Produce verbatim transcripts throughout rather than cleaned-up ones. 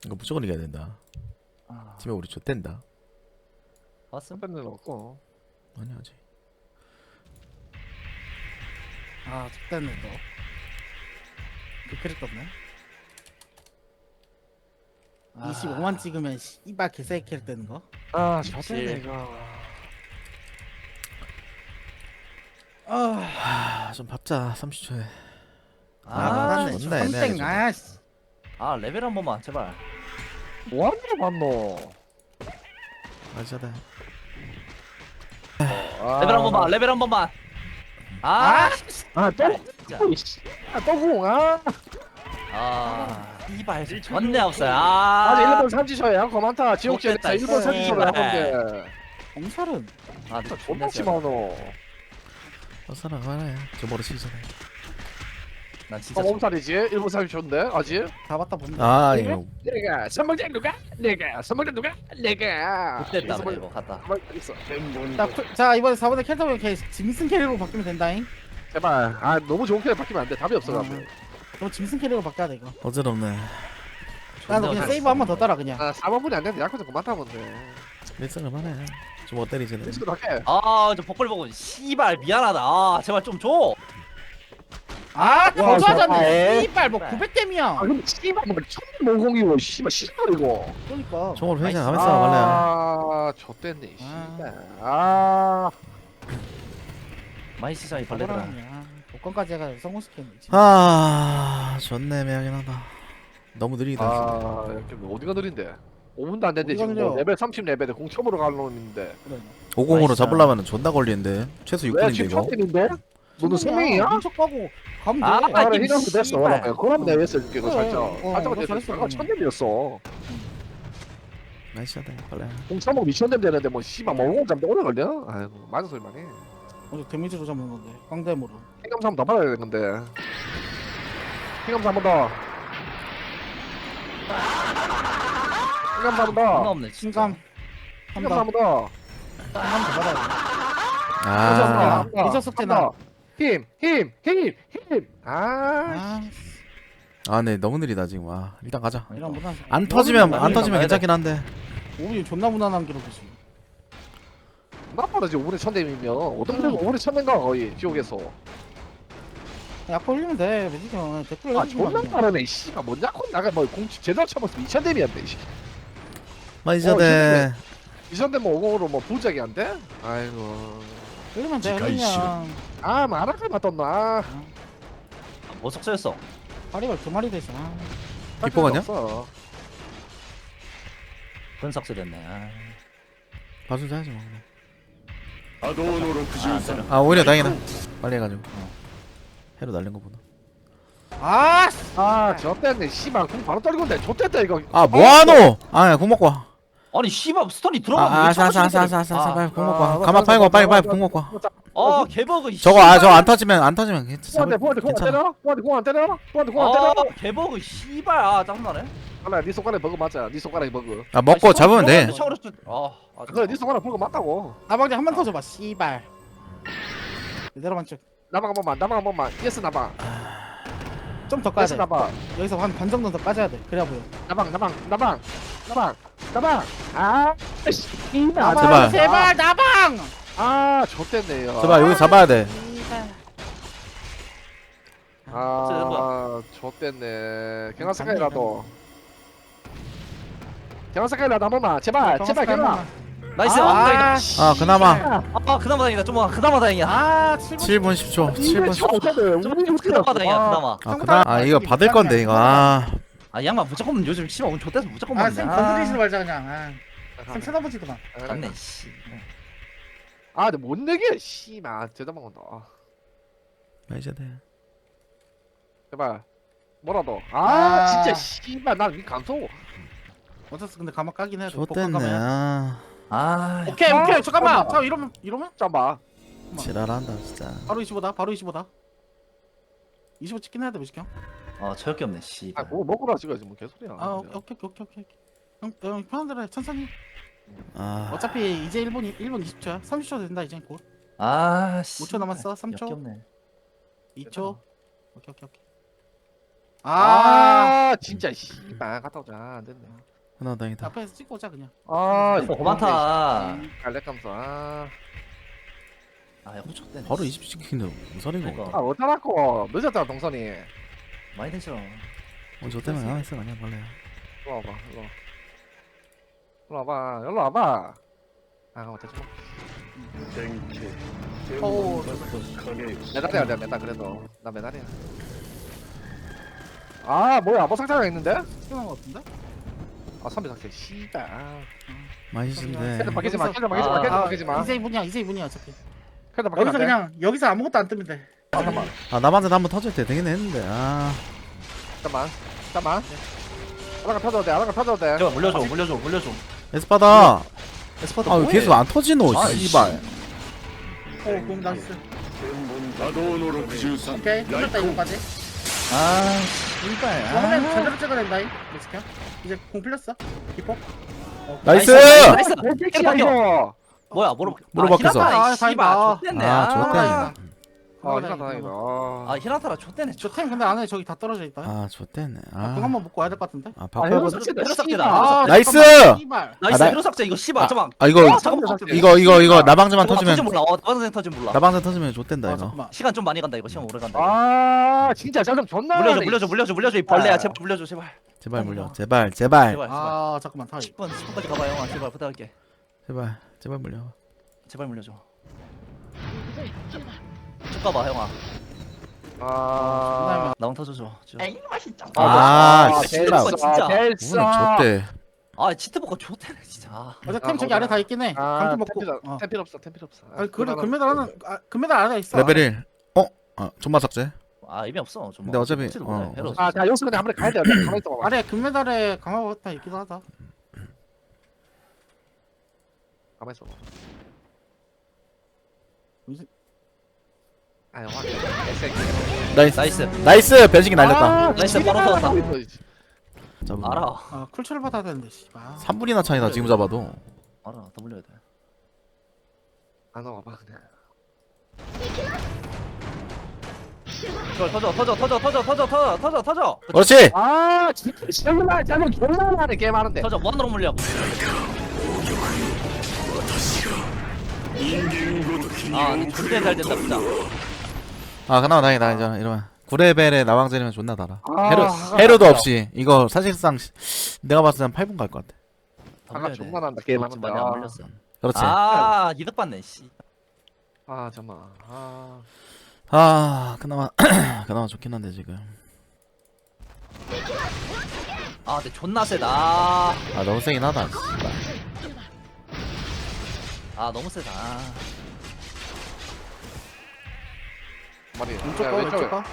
이거 무조건 이겨야 된다. 아, 팀에 우리 좆된다. 왔음? 밴드는 없고. 아니 아직. 아 X됐네 또. 그 캐릭 떴네. 아. 이십오만 찍으면 씨발 개새끼 캐릭 되는 거. 아, 그치. 좋대 이거. 아, 아좀 밟자. 삼십 초에. 아, 아, 맞네. 존나 애매하게 땡. 좀. 아, 씨. 아 레벨 한 번만 제발. 뭐하는 거 맞노? 맞아다. 아, 레벨 한 번만. 레벨 한 번만. 아, 아, 아, 또, 진짜. 또, 씨. 아, 또 공, 아. 아, 이발 전내 없어요. 아직 아, 일본 삼지셔야 양거 많다. 지옥지에서 좋겠다, 일본 삼지셔를 한 씨발. 건데. 엄살은. 아, 근데 존나 존나 심하노. 어서 나가라. 저 머리 치잖아. 난 진짜 몸살이지? 일본 삼지셔인데 아직? 다 봤다 본다. 아 이거 내가 선물장 누가? 내가 선물장 누가? 내가. 못됐다 선물- 이거 갔다. 선물 있어. 자, 쿨- 자 이번에 사 번에 캐릭터 이렇게 짐슨 캐릭으로 바뀌면 된다잉. 제발. 아, 너무 좋은 캐릭 바뀌면 안 돼. 답이 없어. 음. 그럼 짐슨 캐릭으로 바뀌어야 돼 이거. 어지럽네. 나도 그냥 세이브 한 번 더 따라 그냥. 아, 사 번분이 안 되는데 약간 좀 많다 본데. 일상을 하네. 좀못 때리지는. 리스크도 할게. 아, 저 복걸 보고 씨발 미안하다. 아, 제발 좀 줘. 아, 더 와, 좋아졌네. 좋다. 씨발 뭐 구백 댐이야. 아, 근데 씨발 뭐 천오공이고 씨발 씨발이고. 그러니까. 총으로 회생 나이스. 하면서 말래. 아, 좆됐네. 아. 씨발. 아. 많이 시장이 벌레더라. 복권까지 해가 성공시켰네. 아 좋네 애매하긴 하다. 너무 느리다. 아, 이렇게 뭐 어디가 느린데? 오 분도 안 됐는데 어디가 지금 느려? 뭐 레벨 삼십 레벨에 공첨으로 갈 놈인데. 그래. 오공으로 나이스. 잡으려면 존나 걸리는데 최소 육 왜 분인데 지금 이거. 첫째인데? 너는 세 명이야? 민척 가고 가면 아, 돼. 아, 그래, 이 희망도 됐어. 씨발. 그러면 그럼 내가 했을 게 그래. 살짝. 어, 살짝 너 됐어. 잘했어, 아까 그러면. 천년이었어. 나이스하다 빨래. 공첨하고 미천년 되는데 뭐 씨발 뭐 오공 잡는데 오래 걸려? 아이고 맞은 소리만 해. 어제 데미지로 잡는 건데. 광대모로. 행감사 한번 더 받아야 되는 건데. 행감사 한번 더. 행감사 한번 존나 더. 없네. 진짜. 신감. 행감사 한번 한번 더. 한번 더 받아야 아 아. 미적 숙제나. 힘, 힘, 힘, 힘. 아, 아, 아, 네 너무 느리다 지금. 아 일단 가자. 이런 무난. 안 터지면 안 많이 터지면 가야 돼. 괜찮긴 한데. 오비 존나 무난한 기록이지. 나빠라 지금 오분에 천대이면 어떤 분이 오분에 천대인가 거의 지옥에서. 약간 올리면 돼. 매지경 댓글 아 해주기만 존나 그냥. 빠르네. 씨발 뭔 약혼 나가 뭐 공치 제대로 쳐봤으면 이천 대미한데. 마이자대. 이천 대면 오공으로 뭐 부작이 안 돼? 아이고. 올리면 돼. 지가 이씨. 그냥. 아 마라카 맞던나. 아, 뭐 속세였어. 파리가 두 마리 되잖아. 기뻐 가냐? 없어. 분석세 됐네. 아, 봐주자 하지 뭐. 아, 안 때려. 아 오히려 다행이다. 빨리 해가지고. 해로 날린 거보다. 아, 씨. 아 저때네 씨발 공 바로 떨리건데 좆됐다 이거. 아 뭐하노? 아공 먹고 와. 아니 씨발 스턴이 들어가면 아 왜 아싸 자꾸 아싸 아싸 시작해? 아싸 아싸 빨리 공 아, 먹고 와. 아, 가만 빨리 와 빨리 빨리 공 먹고 와. 아 개버그 이 저거 아 저 씨발. 안 터지면 안 터지면 포한테 괜찮아. 포한테 공안 괜찮아. 때려? 포한테 공안 때려? 포한테 공안 때려? 아 개버그 씨발. 아 짜증나네. 하나 네 손가락에 버그 맞아. 네 손가락에 버그. 아 먹고 아니, 잡으면 돼. 들어가는데 샤워를 좀- 아, 아 그래 네 손가락 버그 맞다고. 나방지 한 번 더 줘봐. 씨발. 이대로 만쭉. 나방 한 번만 나방 한 번만. 예스 나방. 좀더 까야 예스 돼. 나방. 여기서 한 반 정도 더 까줘야 돼. 그래야 보여. 나방 나방 나방 나방 나방. 아 씨. 이나 나방, 제발. 제발 나방. 아 좆됐네요. 제발 여기 잡아야 돼. 씨발. 아 좆됐네. 경화 색깔이라도. 경화 색깔이라도 한 번만. 제발 제발 경화. 나이스. 아, 아, 다행이다. 아 그나마 아 그나마 다행이다. 좀 그나마 다행이야. 아, 칠 분. 칠 분 십 초. 칠 분 십 초. 좀 그나마 다행이야. 그나마. 아 그나 아 이거 받을 건데 이거. 아 아 양반 무조건 요즘 씨발 운 좋대서 무조건 아, 맞네. 쌤 건드리지 말자 그냥. 아, 쌤 쳐다보지도 마. 맞네 씨. 아 근데 못 내게 씨발 제대로 먹는다. 아, 마이자대. 제발 뭐라도. 아, 아. 진짜 씨발 난이 감소. 어쨌든 근데 가만 까긴 해야 돼. 좋댔네. 복권 가면. 아 아 오케이, 아, 오케이. 잠깐만. 잠깐만. 자, 이러면 이러면 잠봐. 지랄한다 진짜. 바로 이십오다. 바로 이십오다. 이십오 찍긴 해야 돼, 무식형. 어 저역기 없네 씨. 아 뭐 먹으라 지금 뭐 개소리야. 아, 오케이, 오케이, 오케이, 오케이. 형, 형 편한 대로 해. 천천히. 아 어차피 이제 일 분 일 분 이십 초야. 삼십 초 된다 이제 곧. 아 씨. 오 초 남았어. 삼 초. 역겹네. 이 초. 오케이, 오케이, 오케이. 아, 아 진짜 씨발 갔다 오자 안 됐네. 그나마 다행이다. 앞에서 찍고 오자 그냥. 아 뭐 고만타. 갈래감서 아. 아, 야, 호쳤대. 바로 이십 시키는데 무슨 소리고? 그러니까. 아 어쩌라고 늦었잖아 동선이. 많이 되시러. 어, 저 때문에 안 했어 그냥 원래. 일로 와봐 일로. 일로 와봐 일로 와봐. 아 어떡해. 오 메달이야 내가 메달 그래도 나 메달이야. 아 뭐야 뭐 상자가 있는데? 찍은 거 같은데? 아 삼비 상자 씨발. 아. 맛있는데. 캐드 바뀌지 마 여기서- 캐드 바뀌지 마 아, 캐드 아, 바뀌지 마. 이세 이분이야 이세 이분이야 어차피. 캐드 바뀌지 여기서 마. 그냥 여기서 아무것도 안 뜨면 돼. 잠깐만 아 남한테 한번 터질 때 되긴 했는데. 아. 잠깐만 잠깐만. 하나가 터져도 돼 하나가 터져도 돼. 제발 물려줘, 물려줘, 물려줘. 에스파다. 에스파드 아 왜 뭐해? 계속 안 터지노? 아, 씨발. 오, 공 나이스. 波動のろくじゅうさん 오케이, 끝났다 이거까지. 아, 씨발. 이번엔 아. 제대로 찍어야 된다 이. 멕시카. 이제 공 풀렸어. 기포. 나이스. 나이스. 야 이거. 뭐야, 뭐로 뭐로 바뀌었어? 아, 아, 씨발. 다행이다. 좆됐네. 아, 아, 좋대. 아 이거 다행이다. 아, 히나타라 좆됐네. 좆. 저템 근데 안에 저기 다 떨어져 있다. 아 좋댔네. 아, 공 아. 한번 먹고 와야 될 것 같은데. 아 아 바꿔. 이거 봐. 삭제다 이거 삭제다. 씨발. 나이스! 잠깐만, 씨발. 나이스, 아, 나- 히로 삭제. 이거 씨발. 아, 잠깐. 아 이거 어, 잠깐만. 이거 이거 이거 나방자만 잠깐만, 터지면 터진 몰라. 어, 나방생 터진 몰라. 나방자 터지면 좋댄다 아, 이거. 잠깐만. 시간 좀 많이 간다. 이거 시간 오래 간다. 이거. 아 진짜 짜증 존나. 물려줘, 나네, 물려줘, 씨. 물려줘, 물려줘. 이 벌레야. 제발 물려줘, 제발. 제발 물려. 제발 제발 제발, 제발. 아, 잠깐만 타이. 십 분, 십 분까지 가봐, 형아. 제발 부탁할게. 제발 제발 물려. 제발 물려줘. 쭉 가봐, 형아. 아. 나방 터져줘. 쭉. 아, 아, 씨발. 진짜. 오늘 좋대. 아, 치트버거 좋대네 진짜. 어제 아, 템 저기 거기다. 아래 다 있긴 해. 아 강도 먹고. 템필 어. 템필 없어 템필 없어. 아니, 그래 금메달 하나 아, 금메달 안에 있어. 레벨 일. 어? 아 존마 삭제. 아, 의미 없어. 좀. 근데 어차피, 터지도 어, 못해. 헤로. 아자 여기서 그냥 한번 가야 돼. 가만 있어 봐. 아래 금메달에 강화가 다 있기도 하다. 가만 있어 봐. 무슨- 아 영화. 개새끼. 나이스. 나이스. 나이스. 변신기 날렸다. 아, 나이스, 씨발. 번호 터졌다. 잡으면. 알아. 아, 쿨처를 받아야 되는데 씨발. 삼 분이나 차이다 지금 잡아도. 알아. 더 물려야 돼. 안 와봐 그냥. 이걸 터져, 터져, 터져, 터져, 터져, 터져, 터져, 터져. 그렇지. 아 진짜 정말 짜증 존나 나네 게임 하는데. 터져. 무한으로 물려. 人間ごときに 아, 遅 존나 れ 잘 る 된다, 진짜. 아 그나마 다행이다 이제 이러면. 구 레벨에 나방전이면 존나 달아. 아, 헤로 아, 헤로도 아, 없이 이거 사실상 시- 내가 봤을 땐 팔 분 갈 것 같아. 더 아까 물려야 돼. 존나 난다 게임 하는데. 많이 안 물렸어. 그렇지. 아, 이득 받네, 씨. 아 잠만. 아. 아 그나마 그나마 좋긴 한데 지금. 아, 근데 존나 세다. 아, 아 너무 세긴 하다. 씨발. 아, 너무 세다. 머리. 왼쪽 야, 거 왼쪽에. 왼쪽 거.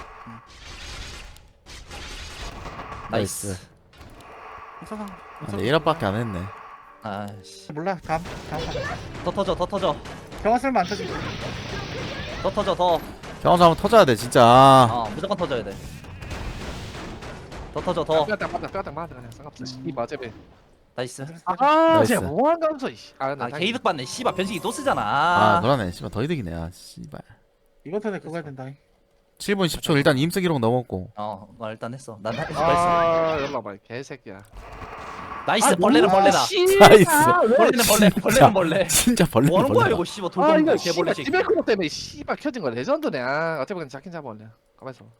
나이스. 괜찮아. 아, 근데 일 업밖에 안 했네. 아씨. 몰라. 다음 다음 판. 더 터져, 더 터져. 경화 설마 안 터지고. 더 터져, 더. 경험사 한번 터져야 돼 진짜. 아, 무조건 터져야 돼. 더 터져, 더. 뼈다 맞다 뼈다 맞다 그냥 상관없어. 이 맞아배. 나이스. 아 나이스. 진짜 뭐한 감소 이씨. 아나 아, 개이득 받네. 씨발, 변식이 또 쓰잖아. 아 그러네. 씨발 더 이득이네. 아 씨발. 이번 턴에 그거 해야 된다. 칠 분 십 초 일단 임스 기록 넘었고. 어, 나 일단 했어. 난 했어. 아 연락 봐 개새끼야. 나이스. 벌레는 벌레다. 나이스. 벌레는 벌레. 벌레는 벌레. 진짜 벌레 뭐 하는 거야 벌레. 이거 씨발 아 돌돌 이거 개벌레 씨발 새끼. 티베크로 때문에 씨발 켜진 거 레전드네. 아 어차피 그냥 잡긴 잡아올래. 가만 있어.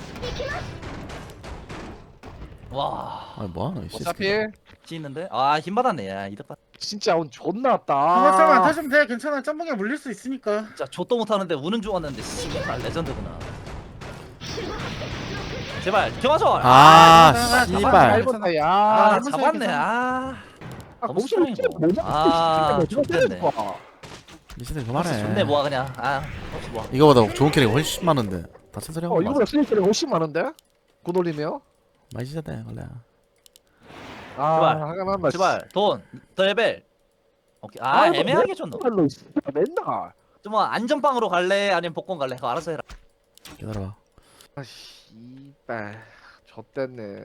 와, 아 뭐하노 이 어차피 새끼. 찌는데? 아, 힘 받았네. 야, 이득 받. 진짜 운 존나 왔다. 경화 설마 안 터지면 돼. 괜찮아. 점붕에 물릴 수 있으니까. 진짜 좆도 못하는데 우는 줄 알았는데 씨발 레전드구나. 제발 경화절. 아 아, 씨발. 밟았다 야. 아, 아, 잡았네. 아, 아 너무 몸속에 strong해, 뭐 뭐냐? 아, 씨발, 좋겠네. 저거 때리고 와. 미친들 좋네 그만해. 뭐야 그냥. 아, 혹시 뭐. 이거보다 좋은 캐릭 훨씬 많은데. 다 천천히 하고 어 맞아. 이거보다 슬리퍼가 훨씬 많은데? 그 돌리면? 많이 시작돼 원래. 아 제발. 하가만 말. 제발 돈, 더 레벨. 오케이. 아, 애매하게 줬노. 맨날 맨날. 좀 안전빵으로 갈래? 아니면 복권 갈래? 그거 알아서 해라. 기다려봐. 아 씨발 좆됐네.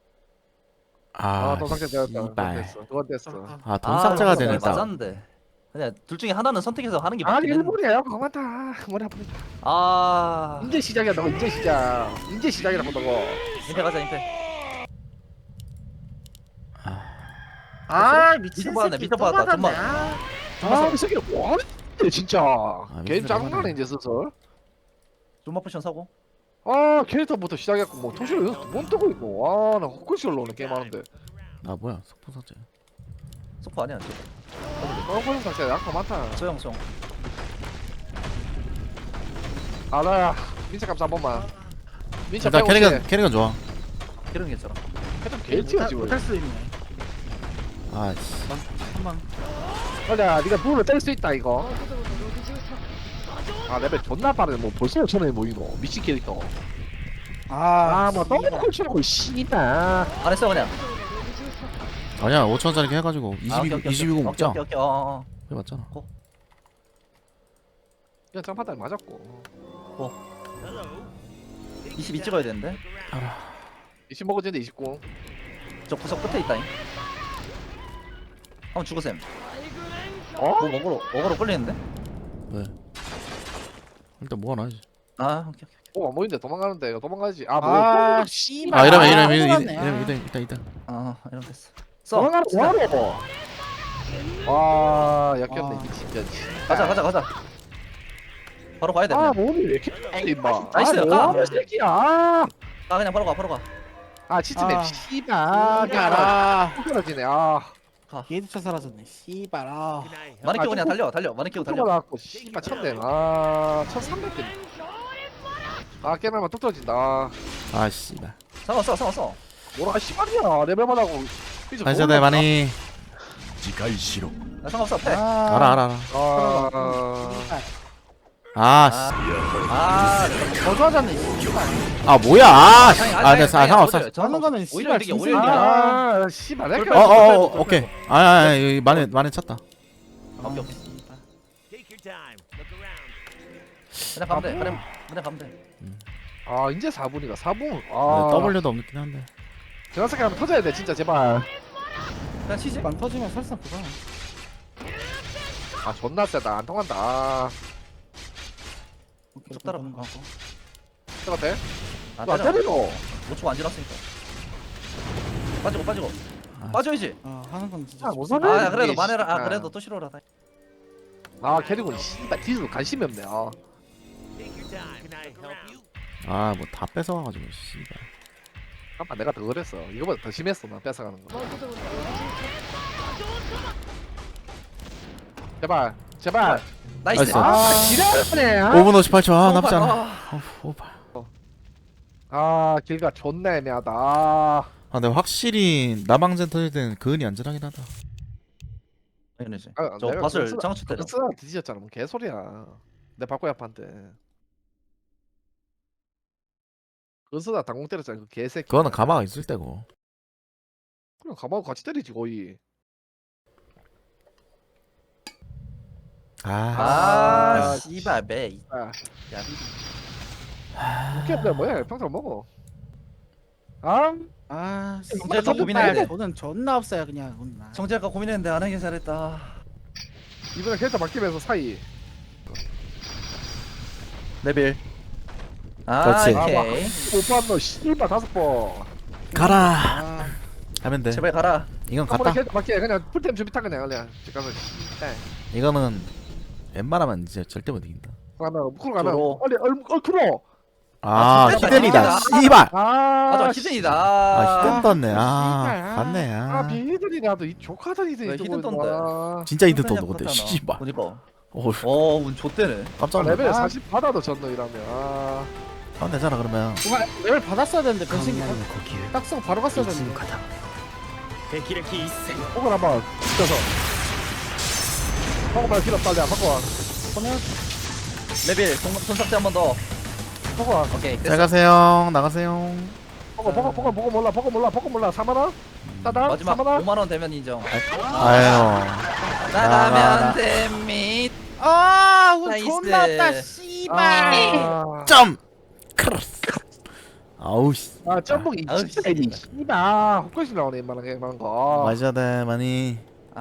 아 아돈 삭제 되었다. 그건 씨발. 됐어. 그건 됐어. 아 돈 아, 삭제가 맞았네. 되니까. 맞았는데. 그냥 둘 중에 하나는 선택해서 하는 게 아 맞긴 했는데. 일본이야 그만다 머리 아프다. 아 이제 시작이야 너 이제 시작. 이제 시작이라고 너거. 임페 가자 임페. 아 미친 미쳐 받았네, 새끼 미쳐 또 받았다, 받았네. 정말. 아, 이 새끼 뭐하는데 진짜. 게임 무슨 짜증나네 소리야. 이제 슬슬. 좀마 포션 사고. 아 캐릭터부터 시작했고 뭐 통신을 여기서 두번 뜨고 있고. 아나 헛것이 올라오네 게임 하는데. 아 뭐야 속보 삭제. 소포 아니야 저. 떠버린 상태야 약간 많다. 소영 소영. 아나야 민차 감사 한 번만. 민차 일단 빼고 캐릭은 캐릭은 좋아. 이런 게 있잖아. 캐릭 개티야 지금. 못할 수 있네. 아씨. 한방. 맞아 니가 불을 뗄 수 있다 이거. 아 레벨 존나 빠르네 뭐 벌써 오천원이 모이노 미친 캐릭터. 아뭐 너무 콜치라고 씨발. 안 했어 그냥. 아니야 오천 원짜리 해가지고 아, 오케이, 이십이 오케이, 이십이 구 오케이, 먹자. 오케이 오케이 어. 어. 해봤잖아. 그냥 점파달 맞았고. 이십이 찍어야 되는데. 이십 먹어지는데 이십구. 저 구석 끝에 있다잉. 한번 죽으셈. 어? 뭐 먹으러 먹으러 끌리는데? 왜? 일단 뭐 하나 하지. 아 오케이 오케이. 어, 안 보이는데 도망가는데 이거 도망가지. 아, 뭐. 아 아, 씨발. 아 이러면 아, 이러면 이러면 몰랐네. 이러면 이러면 일단 일단. 아 이런 됐어. 써. 도망가는 진짜. 뭐하러? 와, 역겹네 아. 이게 진짜. 가자 가자 가자. 바로 가야 돼. 아, 그냥. 몸이 왜 이렇게 돼, 임마. 나이스, 아, 가. 뭐하는 새끼야. 아, 아 그냥 바로 가 바로 가. 아 치즈맵 아. 씨발. 아, 가라. 떨어지네. 아. 얘도 사라졌네. 씨발. 아. 많이 끼고 아, 그냥 조금- 달려 달려. 많이 끼고 달려. 나왔고 씨발 천대. 아, 천삼백 대. 아, 깨나면 뚝 떨어진다. 아, 아 씨발. 상관없어 상관없어. 뭐라 씨발이야. 레벨만 하고. 반샷대 많이. 自戒しろ 나 상관없어 패. 아. 알아 알아 알아. 아. 씨발. 아 씨. 아 더 좋아졌네. 씨발. 아 뭐야? 아 씨. 아니, 아니, 아 아니, 네, 아니, 상관없어. 오히려 저- 하는 거는 오히려 씨발 이득이야, 오히려 진승이야. 이득이야. 아, 씨발. 내가 어, 어어어 어, 오케이. 아니 아니 여기 많이 많이 찼다. 오케이 오케이. 그냥 가면 돼. 그냥 그냥 가면 돼. 아, 이제 사 분이가 사 분. 네, 아. W도 없긴 한데. 저녁에 하면 터져야 돼, 진짜 제발. 그냥 치지. 안 터지면 설사 그거. 아, 존나 세다. 안 통한다. 아. 쭉 따라. 똑같아? 아 너 때려. 때리노. 못 추고 안 지났으니까. 빠지고 빠지고. 아. 빠져야지. 어 하는 건 진짜. 아, 좋지. 무슨 아 야, 그래도 이게, 만회라. 아 씨발. 그래도 또 싫어라. 아, 캐릭은 씨발 뒤에도 관심이 없네. 아. 아 뭐 다 뺏어와가지고 씨발. 아빠 내가 더 그랬어. 이거보다 더 심했어. 나 뺏어가는 거. 제발. 제발. 나이스. 나이스. 아, 지랄하네. 아, 오 분 오십팔 초. 아 나쁘지 않아. 아, 어, 오발. 아 길가 존나 애매하다. 아, 아 근데 확실히 나방젠 터질 때는 그은이 안전하긴 하다. 당연히지. 아, 저 내가 밭을 그거 장치 때려. 쓰나 뒤졌잖아. 뭐 개소리야. 내 바꿔야 판데. 그거 쓰다 당공 때렸잖아. 그 개새끼. 그거는 가마가 있을 때고. 그냥 가만히 같이 때리지 거의. 아. 아 씨발 매. 아, 야 이렇게 하면 뭐야? 평생 먹어. 아, 아 정말 씨발. 고민해야 돼. 저는 존나 없어요 그냥. 오늘. 정재 아까 고민했는데 안 하길 잘했다. 이번에 캐릭터 바뀌면서 사이. 레벨. 아 그렇지. 오케이. 오빠 너 씨발 다섯 번. 가라. 아. 하면 돼. 제발 가라. 이건 한 번에 갔다. 캐릭터 바뀌어 그냥 풀템 준비 타 그냥 그냥. 잠깐만. 네. 이거는 웬만하면 이제 절대 못 이긴다. 가면 쿨 가면 쪼로. 빨리 얼 얼크로. 아 아, 진짜 히든이다. 히든이다. 씨발. 아, 맞아 히든이다. 아 히든 떴네. 씨발. 아 갔네. 아 아 비히든이라도 이 조카들 히든이 왜 뜨고 히든 있는 떤데? 거야. 진짜 히든 그냥 떴어 근데. 그렇잖아. 씨발. 그니까. 오 어운 좆대네. 깜짝 아, 놀랐네. 레벨 사십 받아도 전노이라면. 아, 하면 되잖아 그러면. 누가 레벨 받았어야 되는데 변신 딱 쓰고 바로 갔어야 되는데. 혹은 한번 붙여서. 혹은 필요 빨리 안 바꿔. 보내. 레벨 손- 손삭제 한 번 더. 혹은 오케이 잘 됐어. 가세요. 나가세요. 버거 버거 버거 버거 몰라 버거 몰라 버거 몰라 사만 원? 따다 마지막 사만 원? 오만 원 되면 인정. 아유. 나가면 됩니다. 아 오늘 나이스. 존나 없다 씨발. 아, 점. 크로스. 아우 씨. 아 점봉이 아우, 진짜 이리 씨발 헛것이 나오네 이만한 게 이만한 거. 마셔야 돼 많이.